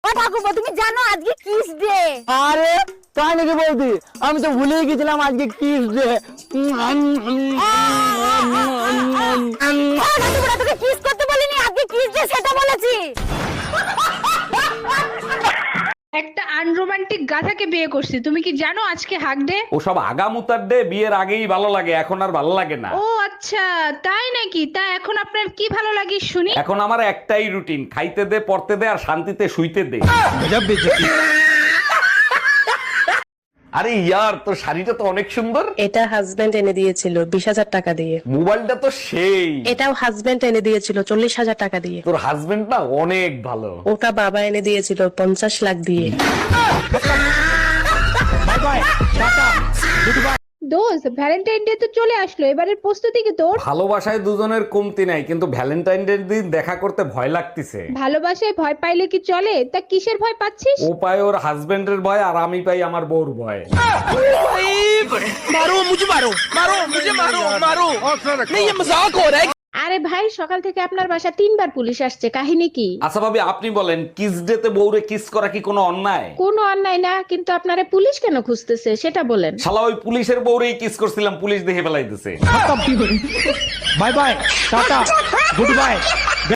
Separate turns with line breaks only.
ও ঠাকুরপো, তুমি জানো আজকে কিস ডে?
আরে তাই নাকি বলতি? আমি তো ভুলেই গেছিলাম আজকে কিস ডে।
ঠাকুরপো, তোকে কিস করতে বলিনি, আজকে কিস ডে সেটা বলেছি।
একটা আনরোমান্টিক গাধাকে বিয়ে করছি, তুমি কি জানো আজকে হাক ডে?
ওসব আগামুতার ডে বিয়ের আগেই ভালো লাগে, এখন আর ভালো লাগে না।
ও আচ্ছা, তাই নাকি? তা এখন আপনার কি ভালো লাগে শুনি?
এখন আমার একটাই রুটিন, খাইতে দে, পড়তে দে আর শান্তিতে শুইতে দে। আরে ইয়ার, তোর শাড়িটা তো অনেক সুন্দর।
এটা হাজবেন্ড এনে দিয়েছিল 20,000 টাকা দিয়ে।
মোবাইলটা তো সেই।
এটাও হাজবেন্ড এনে দিয়েছিল 40,000 টাকা দিয়ে।
তোর হাজবেন্ড না অনেক ভালো।
ওটা বাবা এনে দিয়েছিল 50 লাখ দিয়ে।
দোস্ত, ভ্যালেন্টাইন ডে তো চলে আসলো, এবারের প্রস্তুতি কি তোর?
ভালোবাসায় দুজনের কমতি নাই, কিন্তু ভ্যালেন্টাইন ডে দিন দেখা করতে ভয় লাগতেছে।
ভালোবাসায় ভয় পাইলে কি চলে? তা কিসের ভয় পাচ্ছিস?
ও পায় ওর হাজবেন্ডের ভয়, আর আমি পাই আমার বউর ভয়।
আরে ভাই, সকাল থেকে আপনার বাসা 3বার পুলিশ আসছে, কাহিনী কি?
আচ্ছা ভাবি, আপনি বলেন, কিস ডে তে বউরে কিস করা কি কোনো অন্যায়?
কোনো অন্যায় না, কিন্তু আপনারে পুলিশ কেন খুঁজতেছে সেটা বলেন।
শালা ওই পুলিশের বউরেই কিস করছিলাম, পুলিশ দেখে ফেলাইতেছে।
Bye bye, tata, good bye.